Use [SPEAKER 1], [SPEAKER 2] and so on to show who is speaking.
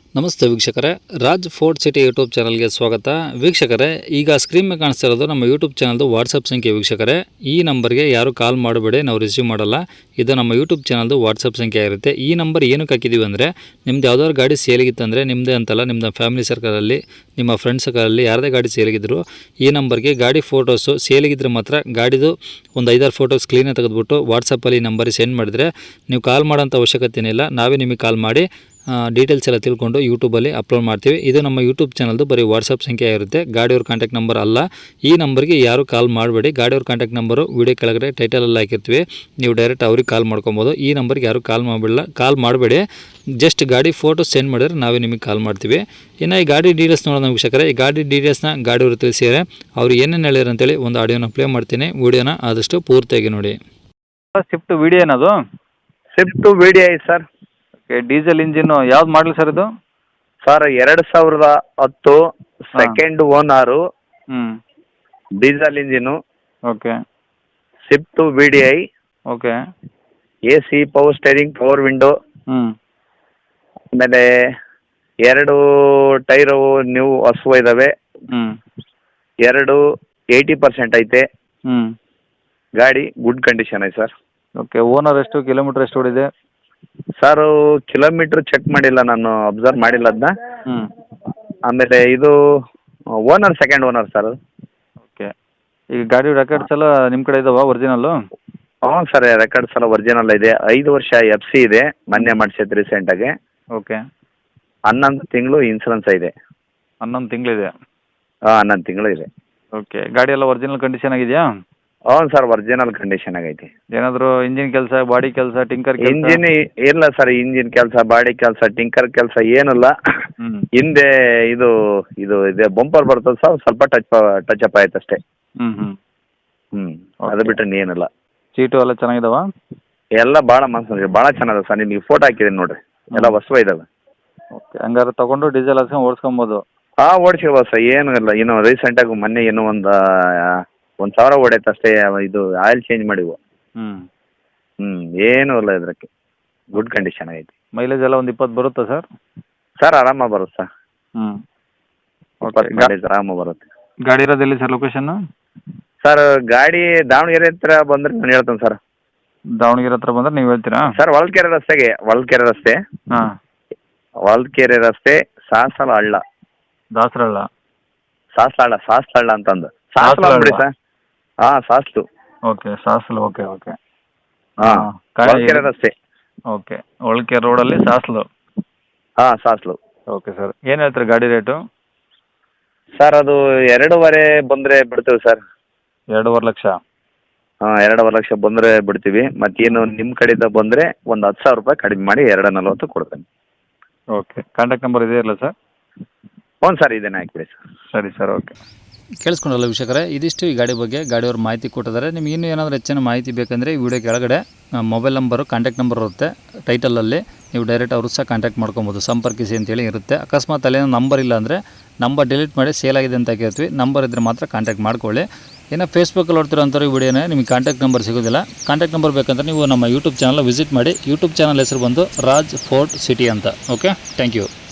[SPEAKER 1] ನಮಸ್ತೆ ವೀಕ್ಷಕರೇ, Raj fort city YouTube ಚಾನಲ್ಗೆ ಸ್ವಾಗತ. ವೀಕ್ಷಕರೇ, ಈಗ ಸ್ಕ್ರೀನ್ ಮೇಲೆ ಕಾಣಿಸ್ತಾ ಇರೋದು ನಮ್ಮ ಯೂಟ್ಯೂಬ್ ಚಾನಲ್ದು ವಾಟ್ಸಪ್ ಸಂಖ್ಯೆ. ವೀಕ್ಷಕರೇ, ಈ ನಂಬರ್ಗೆ ಯಾರು ಕಾಲ್ ಮಾಡಬೇಡಿ, ನಾವು ರಿಸೀವ್ ಮಾಡಲ್ಲ. ಇದು ನಮ್ಮ ಯೂಟ್ಯೂಬ್ ಚಾನಲ್ದು ವಾಟ್ಸಪ್ ಸಂಖ್ಯೆ ಆಗಿರುತ್ತೆ. ಈ ನಂಬರ್ ಏನಕ್ಕೆ ಹಾಕಿದ್ದೀವಿ ಅಂದರೆ, ನಿಮ್ದು ಯಾವ್ದಾದ್ರು ಗಾಡಿ ಸೇಲಿಗಿತ್ತಂದರೆ, ನಿಮ್ಮದೇ ಅಂತಲ್ಲ, ನಿಮ್ಮ ಫ್ಯಾಮಿಲಿ ಸರ್ಕಲಲ್ಲಿ, ನಿಮ್ಮ ಫ್ರೆಂಡ್ಸ್ ಸರ್ಕಲಲ್ಲಿ ಯಾರದೇ ಗಾಡಿ ಸೇಲಿಗಿದ್ರು ಈ ನಂಬರ್ಗೆ ಗಾಡಿ ಫೋಟೋಸು ಸೇಲಿಗಿದ್ರೆ ಮಾತ್ರ ಗಾಡಿದು ಒಂದು 5-6 ಫೋಟೋಸ್ ಕ್ಲೀನಾಗಿ ತೆಗೆದುಬಿಟ್ಟು ವಾಟ್ಸಪ್ಪಲ್ಲಿ ಈ ನಂಬರಿಗೆ ಸೆಂಡ್ ಮಾಡಿದರೆ ನೀವು ಕಾಲ್ ಮಾಡೋಂಥ ಅವಶ್ಯಕತೆ ಏನಿಲ್ಲ. ನಾವೇ ನಿಮಗೆ ಕಾಲ್ ಮಾಡಿ ಡೀಟೇಲ್ಸ್ ಎಲ್ಲ ತಿಳ್ಕೊಂಡು ಯೂಟ್ಯೂಬಲ್ಲಿ ಅಪ್ಲೋಡ್ ಮಾಡ್ತೀವಿ. ಇದು ನಮ್ಮ ಯೂಟ್ಯೂಬ್ ಚಾನಲ್ದು ಬರೀ ವಾಟ್ಸಪ್ ಸಂಖ್ಯೆ ಆಗಿರುತ್ತೆ, ಗಾಡಿಯವ್ರ ಕಾಂಟ್ಯಾಕ್ಟ್ ನಂಬರ್ ಅಲ್ಲ. ಈ ನಂಬರ್ಗೆ ಯಾರು ಕಾಲ್ ಮಾಡಬೇಡಿ. ಗಾಡಿಯವ್ರ ಕಾಂಟ್ಯಾಕ್ಟ್ ನಂಬರು ವೀಡಿಯೋ ಕೆಳಗಡೆ ಟೈಟಲಲ್ಲಿ ಹಾಕಿರ್ತೀವಿ, ನೀವು ಡೈರೆಕ್ಟ್ ಅವ್ರಿಗೆ ಕಾಲ್ ಮಾಡ್ಕೊಬೋದು. ಈ ನಂಬರ್ಗೆ ಯಾರು ಕಾಲ್ ಮಾಡಬೇಡಿ. ಜಸ್ಟ್ ಗಾಡಿ ಫೋಟೋ ಸೆಂಡ್ ಮಾಡಿದ್ರೆ ನಾವೇ ನಿಮಗೆ ಕಾಲ್ ಮಾಡ್ತೀವಿ. ಇನ್ನು ಈ ಗಾಡಿ ಡೀಟೇಲ್ಸ್ ನೋಡೋಣ ವೀಕ್ಷಕರೇ. ಈ ಗಾಡಿ ಡೀಟೇಲ್ಸ್ನ ಗಾಡಿಯವರು ತಿಳಿಸಿದರೆ ಅವ್ರು ಏನೇನು ಹೇಳಿದ್ರು ಅಂತೇಳಿ ಒಂದು ಆಡಿಯೋನ ಪ್ಲೇ ಮಾಡ್ತೀನಿ. ವೀಡಿಯೋನ ಆದಷ್ಟು ಪೂರ್ತಿಯಾಗಿ ನೋಡಿ.
[SPEAKER 2] ಸ್ವಿಫ್ಟ್ ವಿಡಿಯೋ ಏನದು?
[SPEAKER 3] Swift VDI sir.
[SPEAKER 2] Diesel engine ಯಾವ್ದು ಮಾಡಲಿ ಸರ್ ಇದು?
[SPEAKER 3] Sir 2010 second owner, diesel engine,
[SPEAKER 2] okay.
[SPEAKER 3] Swift VDI,
[SPEAKER 2] okay.
[SPEAKER 3] AC, power steering, power window, ಆಮೇಲೆ 2 ಟೈರು ನ್ಯೂ ಹೊಸವು ಇದ್ದಾವೆ, 2 80% ಐತೆ. ಗಾಡಿ ಗುಡ್ ಕಂಡೀಷನ್ ಐತೆ ಸರ್.
[SPEAKER 2] ಓಕೆ. ಓನರ್ ಎಷ್ಟು, ಕಿಲೋಮೀಟರ್ ಎಷ್ಟು ಓಡಿದೆ?
[SPEAKER 3] ಸರ್ ಕಿಲೋಮೀಟ್ರ್ ಚೆಕ್ ಮಾಡಿಲ್ಲ, ನಾನು ಅಬ್ಸರ್ವ್ ಮಾಡಿಲ್ಲ ಅದನ್ನ. ಆಮೇಲೆ ಇದು owner second owner sir.
[SPEAKER 2] Okay. ಈಗ ಗಾಡಿ ರೆಕಾರ್ಡ್ಸ್ ಎಲ್ಲ ನಿಮ್ಮ ಕಡೆ ಇದಾವ ಒರಿಜಿನಲ್ಲು?
[SPEAKER 3] ಹ್ಞೂ ಸರ್, ರೆಕಾರ್ಡ್ಸ್ ಎಲ್ಲ ಒರಿಜಿನಲ್ ಇದೆ. 5 ವರ್ಷ FC ಇದೆ, ಮೊನ್ನೆ ಮಾಡಿಸಿದ್ದು ರೀಸೆಂಟಾಗಿ.
[SPEAKER 2] ಓಕೆ.
[SPEAKER 3] 11 ತಿಂಗಳು ಇನ್ಸೂರೆನ್ಸ್ ಇದೆ.
[SPEAKER 2] 11 ತಿಂಗಳಿದೆ?
[SPEAKER 3] ಹಾಂ, 11 ತಿಂಗಳು ಇದೆ.
[SPEAKER 2] ಓಕೆ. ಗಾಡಿ ಎಲ್ಲ ಒರಿಜಿನಲ್ ಕಂಡೀಷನ್ ಆಗಿದೆಯಾ?
[SPEAKER 3] ಹ್ಞೂ ಸರ್, ಒರಿಜಿನಲ್ ಕಂಡೀಷನ್ ಆಗೈತಿ.
[SPEAKER 2] ಏನಾದರೂ ಇಂಜಿನ್ ಕೆಲಸ, ಬಾಡಿ ಕೆಲಸ, ಟಿಂಕರ್ ಕೆಲಸ?
[SPEAKER 3] ಇಂಜಿನ್ ಇಲ್ಲ ಸರ್, ಇಂಜಿನ್ ಕೆಲಸ, ಬಾಡಿ ಕೆಲಸ, ಟಿಂಕರ್ ಕೆಲಸ ಏನಿಲ್ಲ. ಹಿಂದೆ ಇದು ಇದೆ ಬಂಪರ್ ಬರ್ತದೆ ಸರ್, ಸ್ವಲ್ಪ ಟಚ್ ಅಪ್ ಆಯ್ತು ಅಷ್ಟೇ. ಅದು ಬಿಟ್ಟರೆ ಏನಿಲ್ಲ.
[SPEAKER 2] ಸೀಟು ಎಲ್ಲ ಚೆನ್ನಾಗಿದಾವ?
[SPEAKER 3] ಎಲ್ಲ ಭಾಳ ಭಾಳ ಚೆನ್ನಾಗಿದೆ ಸರ್. ನಿಮಗೆ ಫೋಟೋ ಹಾಕಿದ್ದೀನಿ ನೋಡಿರಿ, ಎಲ್ಲ ಹೊಸವ ಇದಾವೆ.
[SPEAKER 2] ಓಕೆ. ಹಂಗಾರೆ ತೊಗೊಂಡು ಡೀಸೆಲ್ ಹಾಕ್ಸ್ಕೊಂಡು ಓಡಿಸ್ಕೊಬೋದು?
[SPEAKER 3] ಹಾಂ, ಓಡಿಸ್ಕೋಬೋದು ಸರ್, ಏನೂ ಇಲ್ಲ. ಇನ್ನು ರೀಸೆಂಟಾಗಿ ಮೊನ್ನೆ ಇನ್ನೂ ಒಂದು 1,000 ಓಡೈತೆ ಅಷ್ಟೇ. ಇದು ಆಯಿಲ್ ಚೇಂಜ್ ಮಾಡಿವು. ಏನೂ ಇಲ್ಲ, ಇದಕ್ಕೆ ಗುಡ್ ಕಂಡೀಷನ್ ಐತಿ.
[SPEAKER 2] ಮೈಲೇಜ್ ಎಲ್ಲ ಒಂದು 20 ಬರುತ್ತಾ ಸರ್?
[SPEAKER 3] ಸರ್ ಆರಾಮಾಗಿ ಬರುತ್ತೆ ಸರ್. ಮೈಲೇಜ್ ಆರಾಮಾಗಿ ಬರುತ್ತೆ.
[SPEAKER 2] ಗಾಡಿ ಇರೋದು ಎಲ್ಲಿ ಸರ್ ಲೊಕೇಶನ್?
[SPEAKER 3] ಸರ್ ಗಾಡಿ ದಾವಣಗೆರೆ ಹತ್ರ ಬಂದರೆ ನಾನು ಹೇಳ್ತೇನೆ ಸರ್.
[SPEAKER 2] ದಾವಣಗೆರೆ ಹತ್ರ ಬಂದರೆ ನೀವು ಹೇಳ್ತೀರಾ?
[SPEAKER 3] ಸರ್ ಹೊಳಲ್ಕೆರೆ ರಸ್ತೆ.
[SPEAKER 2] ಹಾಂ.
[SPEAKER 3] ಹೊಳಲ್ಕೆರೆ ರಸ್ತೆ, ಸಾಸಲ ಹಳ್ಳ.
[SPEAKER 2] ದಾಸರಹಳ್ಳ?
[SPEAKER 3] ಸಾಸ್ಲಹಳ್ಳ ಅಂತಂದು ಸಾಸ್ಲ ಬಿಡಿ ಸರ್. ಹಾಂ, ಸಾಸ್ಲು.
[SPEAKER 2] ಓಕೆ, ಸಾಸ್ಲು. ಓಕೆ.
[SPEAKER 3] ಹಾಂ, ಹೊಳಲ್ಕೆರೆ ರಸ್ತೆ.
[SPEAKER 2] ಓಕೆ. ಹೊಳಲ್ಕೆರೆ ರೋಡಲ್ಲಿ ಸಾಸ್ಲು?
[SPEAKER 3] ಹಾಂ, ಸಾಸ್ಲು.
[SPEAKER 2] Okay sir. ಏನು ಹೇಳ್ತೀರಿ ಗಾಡಿ ರೇಟು?
[SPEAKER 3] ಸರ್ ಅದು 2.5 ಬಂದರೆ ಬಿಡ್ತೀವಿ ಸರ್.
[SPEAKER 2] 2.5 ಲಕ್ಷ?
[SPEAKER 3] ಹಾಂ, 2.5 ಲಕ್ಷ ಬಂದರೆ ಬಿಡ್ತೀವಿ. ಮತ್ತೇನು ನಿಮ್ಮ ಕಡೆಯಿಂದ ಬಂದರೆ ಒಂದು 10,000 ರೂಪಾಯಿ ಕಡಿಮೆ ಮಾಡಿ 2.40 ಕೊಡ್ತೇನೆ.
[SPEAKER 2] ಓಕೆ. ಕಾಂಟ್ಯಾಕ್ಟ್ ನಂಬರ್ ಇದೆ ಇರಲ್ಲ ಸರ್?
[SPEAKER 3] ಹ್ಞೂ ಸರ್, ಇದೇನೆ ಹಾಕಿಬಿಡಿ ಸರ್.
[SPEAKER 2] ಸರಿ ಸರ್, ಓಕೆ.
[SPEAKER 1] ಕೇಳಿಸ್ಕೊಂಡಲ್ಲ ವೀಕ್ಷಕರೇ, ಇದಿಷ್ಟು ಈ ಗಾಡಿ ಬಗ್ಗೆ ಗಾಡಿಯವ್ರ ಮಾಹಿತಿ ಕೊಟ್ಟಿದ್ದಾರೆ. ನಿಮ್ಗೆ ಇನ್ನೂ ಏನಾದರೂ ಹೆಚ್ಚಿನ ಮಾಹಿತಿ ಬೇಕಂದರೆ ಈ ವಿಡಿಯೋ ಕೆಳಗಡೆ ಮೊಬೈಲ್ ನಂಬರು, ಕಾಂಟ್ಯಾಕ್ಟ್ ನಂಬರ್ ಇರುತ್ತೆ ಟೈಟಲಲ್ಲಿ. ನೀವು ಡೈರೆಕ್ಟ್ ಅವರು ಸಹ ಕಾಂಟ್ಯಾಕ್ಟ್ ಮಾಡ್ಕೊಬೋದು, ಸಂಪರ್ಕಿಸಿ ಅಂತೇಳಿ ಇರುತ್ತೆ. ಅಕಸ್ಮಾತ್ ಅಲ್ಲೇನೋ ನಂಬರ್ ಇಲ್ಲ ಅಂದರೆ ನಂಬರ್ ಡಿಲೀಟ್ ಮಾಡಿ ಸೇಲ್ ಆಗಿದೆ ಅಂತ ಕೇಳ್ತೀವಿ. ನಂಬರ್ ಇದ್ದರೆ ಮಾತ್ರ ಕಾಂಟ್ಯಾಕ್ಟ್ ಮಾಡ್ಕೊಳ್ಳಿ. ಇನ್ನು ಫೇಸ್ಬುಕ್ಕಲ್ಲಿ ನೋಡ್ತಿರೋ ಅಂಥವ್ರು ಈ ವಿಡಿಯೋನೇ ನಿಮಗೆ ಕಾಂಟ್ಯಾಕ್ಟ್ ನಂಬರ್ ಸಿಗೋದಿಲ್ಲ. ಕಾಂಟ್ಯಾಕ್ಟ್ ನಂಬರ್ ಬೇಕಂದ್ರೆ ನೀವು ನಮ್ಮ ಯೂಟ್ಯೂಬ್ ಚಾನಲ್ ವಿಸಿಟ್ ಮಾಡಿ. ಯೂಟ್ಯೂಬ್ ಚಾನಲ್ ಹೆಸರು ಬಂದು ರಾಜ್ ಫೋರ್ಟ್ ಸಿಟಿ ಅಂತ. Okay, thank you.